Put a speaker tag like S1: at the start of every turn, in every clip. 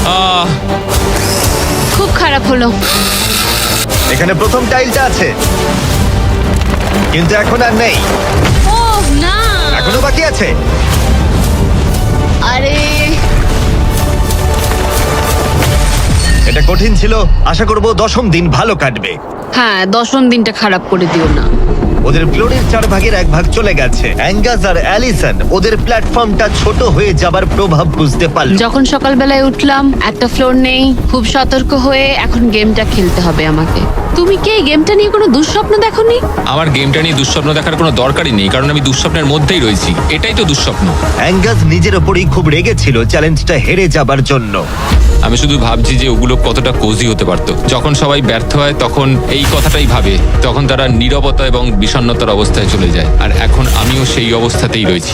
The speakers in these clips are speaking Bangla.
S1: খুব খারাপ হলো।
S2: এখানে প্রথম টাইলটা আছে, কিন্তু এখন আর নেই।
S1: ও না,
S2: এখনো বাকি আছে।
S1: আরে
S2: এটা কঠিন ছিল। আশা করব দশম দিন ভালো কাটবে।
S1: হ্যাঁ, দশম দিনটা খারাপ করে দিও না।
S2: ওদের ফ্লোরের 4/1 চলে গেছে। অ্যাঙ্গাস আর অ্যালিসন ওদের প্ল্যাটফর্মটা ছোট হয়ে যাবার প্রভাব বুঝতে পারল।
S1: যখন সকালবেলায় উঠলাম, একটা ফ্লোর নেই। খুব সতর্ক হয়ে এখন গেমটা খেলতে হবে আমাকে। তুমি কি এই গেমটা নিয়ে কোনো দুঃস্বপ্ন দেখোনি?
S3: আমার গেমটা নিয়ে দুঃস্বপ্ন দেখার কোনো দরকারই নেই, কারণ আমি দুঃস্বপ্নের মধ্যেই রয়েছি। এটাই তো দুঃস্বপ্ন।
S2: অ্যাঙ্গাস নিজের ওপরই খুব রেগেছিল চ্যালেঞ্জটা হেরে যাবার জন্য।
S3: আমি শুধু ভাবছি যে ওগুলো কতটা কোজি হতে পারতো। যখন সবাই ব্যর্থ হয় তখন এই কথাটাই ভাবে, তখন তারা নীরবতা এবং বিষণ্ণতার অবস্থায় চলে যায়। আর এখন আমিও সেই অবস্থাতেই রয়েছি।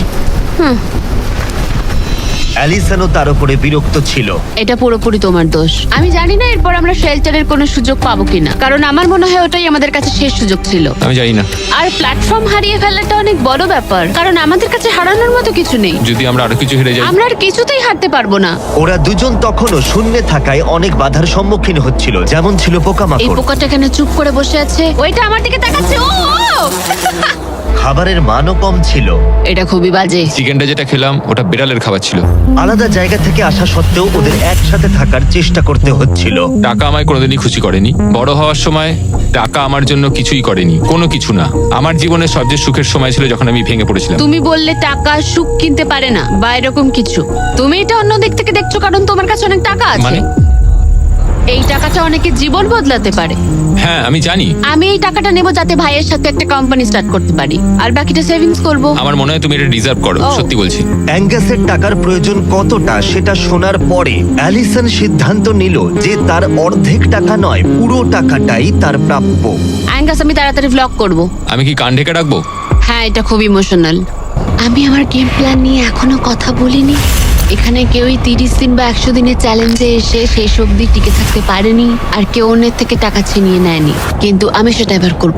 S2: অ্যালিসনও তার উপরে বিরক্ত ছিল।
S1: এটা পুরোপুরি তোমার দোষ। আমি জানি না এরপর আমরা শেল্টারের কোনো সুযোগ পাবো কিনা, কারণ আমার মনে হয় ওটাই আমাদের কাছে শেষ সুযোগ ছিল।
S3: আমি জানি না,
S1: আর প্ল্যাটফর্ম হারিয়ে ফেলাটা অনেক বড় ব্যাপার, কারণ আমাদের কাছে হারানোর মতো কিছু নেই।
S3: যদি আমরা আরো কিছু হেরে যাই।
S1: আমরা আর কিছুতেই হারতে পারবো না।
S2: ওরা দুজন তখনও শূন্যে থাকায় অনেক বাধার সম্মুখীন হচ্ছিল, যেমন ছিল
S1: এই
S2: পোকামাকড়।
S1: পোকাটা এখানে চুপ করে বসে আছে, ওইটা আমার দিকে তাকাচ্ছে। ও
S2: খাবারের মানও কম ছিল।
S1: এটা খুবই বাজে।
S3: চিকেনটা যেটা খেলাম ওটা বিড়ালের খাবার ছিল।
S2: আলাদা জায়গা থেকে আসা সত্ত্বেও ওদের একসাথে থাকার চেষ্টা করতে হচ্ছিল।
S3: টাকা আমায় কোনোদিনই খুশি করেনি। বড় হওয়ার সময় টাকা আমার জন্য কিছুই করেনি, কোনো কিছু না। আমার জীবনের সবচেয়ে সুখের সময় ছিল যখন আমি ভেঙে পড়েছিলাম।
S1: তুমি বললে টাকা সুখ কিনতে পারে না বা এরকম কিছু। তুমি এটা অন্য দিক থেকে দেখছো, কারণ তোমার কাছে অনেক টাকা আছে।
S3: মানে?
S1: এই টাকাটা অনেকের জীবন বদলাতে পারে।
S3: হ্যাঁ আমি জানি।
S1: আমি এই টাকাটা নেব যাতে ভাইয়ের সাথে একটা কোম্পানি স্টার্ট করতে পারি, আর বাকিটা সেভিংস করব।
S3: আমার মনে হয় তুমি এটা ডিজার্ভ করো,
S1: ও।
S3: সত্যি বলছি।
S2: অ্যাঙ্গাসের টাকার প্রয়োজন কতটা সেটা শোনার পরে অ্যালিসন সিদ্ধান্ত নিল যে তার অর্ধেক টাকা নয়, পুরো টাকাটাই তার প্রাপ্য।
S1: অ্যাঙ্গাস, আমি তাড়াতাড়ি ভ্লগ করব।
S3: আমি কি কান ঢেকে রাখবো?
S1: হ্যাঁ, এটা খুব ইমোশনাল। আমি আমার গেম প্ল্যান নিয়ে এখনো কথা বলিনি। এখানে কেউই 30 দিন বা 100 দিনের চ্যালেঞ্জে এসে শেষ অবধি টিকে থাকতে পারেনি, আর কেউ অন্যের থেকে টাকা ছিনিয়ে নেয়নি। কিন্তু আমি সেটা এবার করব।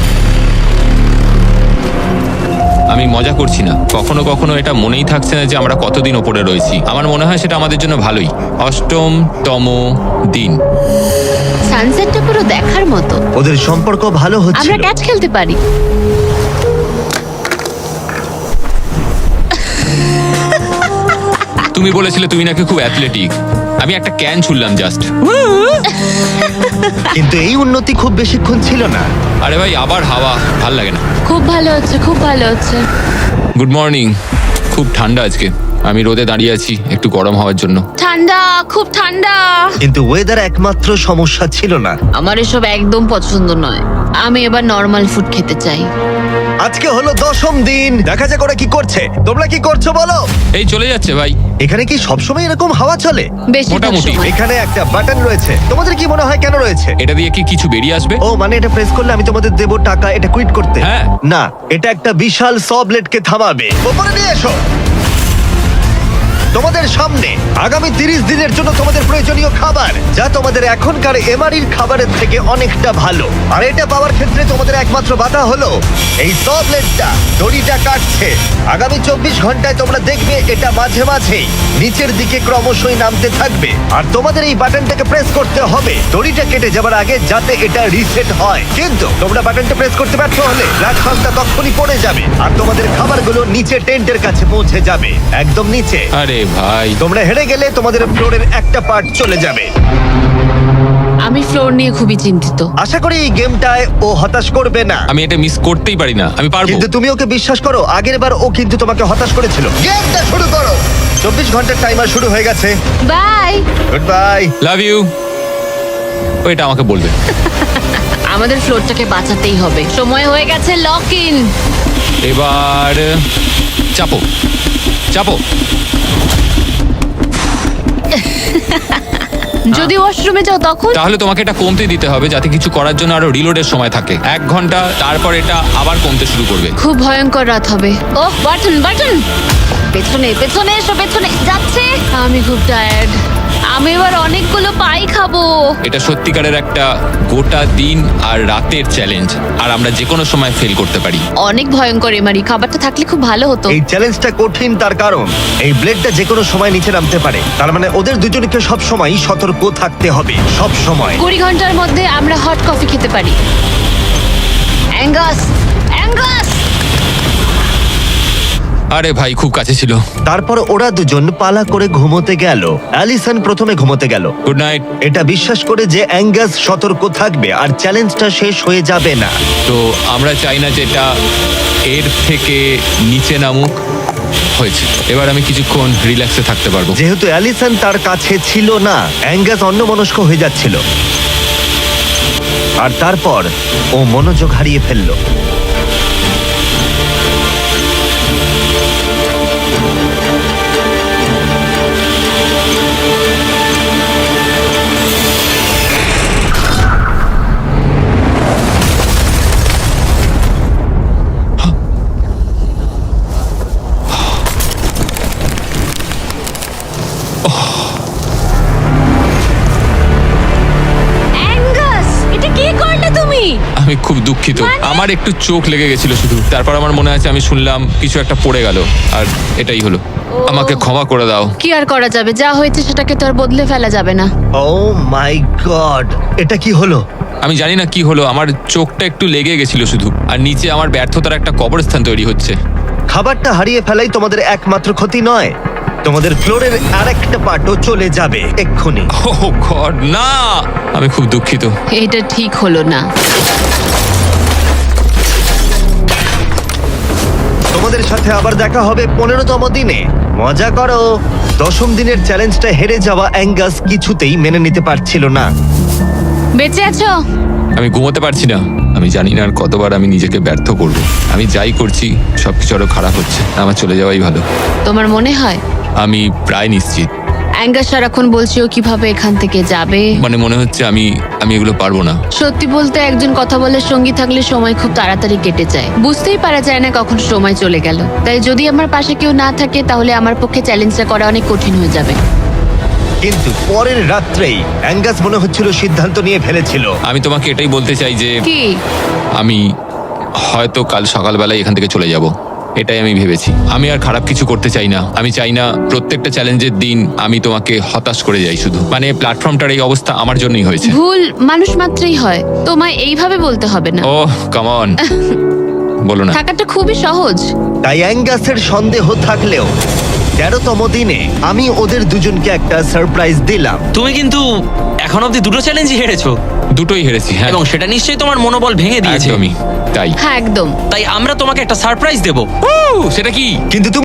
S3: আমি মজা করছি না। কখনো কখনো এটা মনেই থাকছে না যে আমরা কতদিন ওপরে রয়েছি। আমার মনে হয় সেটা আমাদের জন্য ভালোই। 8তম দিন।
S1: সানসেটটা পুরো দেখার মতো।
S2: ওদের সম্পর্ক ভালো
S1: আমরা
S2: হচ্ছিল।
S1: ক্যাচ খেলতে পারি।
S3: তুমি বলেছিলে তুমি নাকি খুব অ্যাথলেটিক। আমি একটা ক্যান ছুড়লাম জাস্ট।
S2: কিন্তু এই উন্নতি খুব বেশিক্ষণ ছিল না।
S3: আরে ভাই, আবার হাওয়া, ভাল লাগে না।
S1: খুব ভালো হচ্ছে, খুব ভালো হচ্ছে।
S3: Good morning. খুব ঠান্ডা আজকে। আমি রোদে দাঁড়িয়ে আছি একটু গরম হওয়ার জন্য।
S1: ঠান্ডা, খুব ঠান্ডা।
S2: কিন্তু ওয়েদার একমাত্র সমস্যা ছিল না।
S1: আমার এসব একদম পছন্দ নয়। আমি এবার নর্মাল ফুড খেতে চাই।
S2: আজকে হলো দশম দিন। দেখা যাক ওরা কি করছে। তোমরা কি করছো বলো?
S3: এই চলে যাচ্ছে ভাই।
S2: এখানে কি সবসময় এরকম হাওয়া চলে?
S1: বেশিরভাগ
S3: মোটামুটি।
S1: সময়।
S2: এখানে একটা বাটন রয়েছে। তোমাদের কি মনে হয় কেন রয়েছে?
S3: এটা দিয়ে কি কিছু বেরিয়ে আসবে?
S2: ও মানে এটা প্রেস করলে আমি তোমাদের দেবো টাকা এটা কুইট করতে?
S3: হ্যাঁ।
S2: না, এটা একটা বিশাল স ব্লেডকে থামাবে। ওপরে নিয়ে এসো। তোমাদের সামনে আগামী 30 দিনের জন্য তোমাদের প্রয়োজনীয় খাবার, যা তোমাদের এখনকার এমআরির খাবারের থেকে অনেকটা ভালো। আর এটা পাওয়ার ক্ষেত্রে তোমাদের একমাত্র বাধা হলো এই স ব্লেডটা দড়িটা কাটছে। আগামী 24 ঘন্টায় তোমরা দেখবে এটা মাঝে মাঝেই নিচের দিকে ক্রমশই নামতে থাকবে। আর তোমাদের এই বাটনটাকে প্রেস করতে হবে দড়িটা কেটে যাবার আগে, যাতে এটা রিসেট হয়। কিন্তু তোমরা বাটনটা প্রেস করতে ব্যর্থ হলে প্ল্যাটফর্মটা তখনই পড়ে যাবে, আর তোমাদের খাবারগুলো নিচে টেন্টের কাছে পৌঁছে যাবে, একদম নিচে।
S3: আরে ভাই,
S2: তোমরা হেরে গেলে তোমাদের ফ্লোরের একটা পার্ট চলে যাবে।
S1: আমি ফ্লোর নিয়ে খুবই চিন্তিত।
S2: আশা করি এই গেমটায় ও হতাশ করবে না।
S3: আমি এটা মিস করতেই পারি না। আমি পারবো।
S2: কিন্তু তুমি ওকে বিশ্বাস করো, আগের বার ও কিন্তু তোমাকে হতাশ করেছিল। গেমটা শুরু করো। 24 ঘন্টার টাইমার শুরু হয়ে গেছে।
S1: Bye.
S2: Good bye.
S3: Love you. ওইটা আমাকে বলবে।
S1: আমাদের ফ্লোরটাকে বাঁচাতেই হবে। সময় হয়ে গেছে, লক ইন।
S3: এবার চাপো চাপো।
S1: যদি ওয়াশরুমে যাও তখন?
S3: তাহলে তোমাকে এটা কমতে দিতে হবে যাতে কিছু করার জন্য আরো রিলোডের সময় থাকে। 1 ঘন্টা, তারপর এটা আবার কমতে শুরু করবে।
S1: খুব ভয়ঙ্কর রাত হবে। Oh, button button. পেছনে পেছনে এসো, পেছনে যাচ্ছে। আমি খুব টায়ার্ড। আমি এবার অনেকগুলো পাই খাবো।
S3: এটা সত্যিকারের একটা গোটা দিন আর রাতের চ্যালেঞ্জ, আর আমরা যে কোনো সময় ফেল করতে পারি।
S1: অনেক ভয়ঙ্কর এমারি, খাবারটা থাকলে খুব ভালো হতো।
S2: এই চ্যালেঞ্জটা কঠিন তার কারণ এই ব্লেডটা যে কোনো সময় নিচে নামতে পারে। তার মানে ওদের দুজনকে সব সময় সতর্ক থাকতে হবে, সব সময়।
S1: 20 ঘন্টার মধ্যে আমরা হট কফি খেতে পারি। Angus, Angus!
S3: আরে ভাই, খুব কাছে ছিল।
S2: তারপর ওরা দুজন পালা করে ঘুমোতে গেল। অ্যালিসন প্রথমে ঘুমোতে গেল,
S3: গুড নাইট।
S2: এটা বিশ্বাস করে যে অ্যাঙ্গাস সতর্ক থাকবে আর চ্যালেঞ্জটা শেষ হয়ে যাবে না।
S3: তো আমরা চাই না যেটা এর থেকে নিচে নামুক। হয়েছে, এবার আমি কিছুক্ষণ রিল্যাক্সে থাকতে পারবো।
S2: যেহেতু অ্যালিসন তার কাছে ছিল না, অ্যাঙ্গাস অন্যমনস্ক হয়ে যাচ্ছিল, আর তারপর ও মনোযোগ হারিয়ে ফেললো।
S1: অ্যাঙ্গাস, এটা কি করলে তুমি?
S3: আমি খুব দুঃখিত, আমার একটু চোখ লেগে গেছিল শুধু। তারপর আমার মনে আছে আমি শুনলাম কিছু একটা পড়ে গেল, আর এটাই হলো। আমাকে ক্ষমা করে দাও।
S1: কি আর করা যাবে, যা হয়েছে সেটাকে তো আর বদলে ফেলা যাবে না।
S2: ও মাই গড, এটা কি হলো?
S3: আমি জানি না কি হলো, আমার চোখটা একটু লেগে গেছিল শুধু, আর নিচে আমার ব্যর্থতার একটা কবরস্থান তৈরি হচ্ছে।
S2: খাবারটা হারিয়ে ফেলাই তোমাদের একমাত্র ক্ষতি নয়, তোমাদের ফ্লোরের আরেকটা পার্টও চলে যাবে এক্ষুনি।
S3: ও গড, না! আমি খুব দুঃখিত।
S1: এটা ঠিক হলো না।
S2: তোমাদের সাথে আবার দেখা হবে 15তম দিনে। মজা করো। 10ম দিনের চ্যালেঞ্জটা হেরে যাওয়া অ্যাঙ্গাস কিছুতেই মেনে নিতে পারছিল না।
S1: বেঁচে আছো?
S3: আমি ঘুমোতে পারছি না। আমি জানি না আর কতবার আমি নিজেকে ব্যর্থ করব। আমি যাই করছি সবকিছু আরো খারাপ হচ্ছে। আমার চলে যাওয়াই ভালো।
S1: তোমার মনে হয়?
S3: আমি প্রায় নিশ্চিত।
S1: অ্যাঙ্গাস সারাক্ষণ বলছি ও কিভাবে এখান থেকে যাবে।
S3: মানে মনে হচ্ছে আমি এগুলো পারবো না।
S1: সত্যি বলতে একজন কথা বলার সঙ্গী থাকলে সময় খুব তাড়াতাড়ি কেটে যায়, বুঝতেই পারা যায় না কখন সময় চলে গেল। তাই যদি আমার পাশে কেউ না থাকে তাহলে আমার পক্ষে চ্যালেঞ্জটা করা অনেক কঠিন হয়ে যাবে।
S2: কিন্তু পরের রাত্রেই অ্যাঙ্গাস মনে হচ্ছিল সিদ্ধান্ত নিয়ে ফেলেছিল।
S3: আমি তোমাকে এটাই বলতে চাই যে
S1: কি?
S3: আমি হয়তো কাল সকালবেলায় এখান থেকে চলে যাব। এটাই আমি ভেবেছি। আমি আর খারাপ কিছু করতে চাই না। আমি চাই না প্রত্যেকটা চ্যালেঞ্জের দিন আমি তোমাকে হতাশ করে যাই শুধু। মানে প্ল্যাটফর্মটার এই অবস্থা আমার জন্যই হয়েছে।
S1: ভুল মানুষ মাত্রই হয়, তোমায় এইভাবে বলতে হবে না।
S3: ও কাম অন, বলো না।
S1: থাকাটা খুবই সহজ।
S2: তাই অ্যাঙ্গাসের সন্দেহ থাকলেও 13তম দিনে আমি ওদের দুজনকে একটা সারপ্রাইজ দিলাম।
S4: তুমি কিন্তু এখন অব্দি দুটো চ্যালেঞ্জই হেরেছো,
S3: দুটোই হেরেছি, হ্যাঁ।
S4: এবং সেটা নিশ্চয়ই তোমার মনোবল ভেঙে দিয়েছে।
S3: একদমই তাই।
S1: হ্যাঁ একদম।
S4: তাই আমরা তোমাকে একটা সারপ্রাইজ দেবো।
S3: সেটা কি?
S2: কিন্তু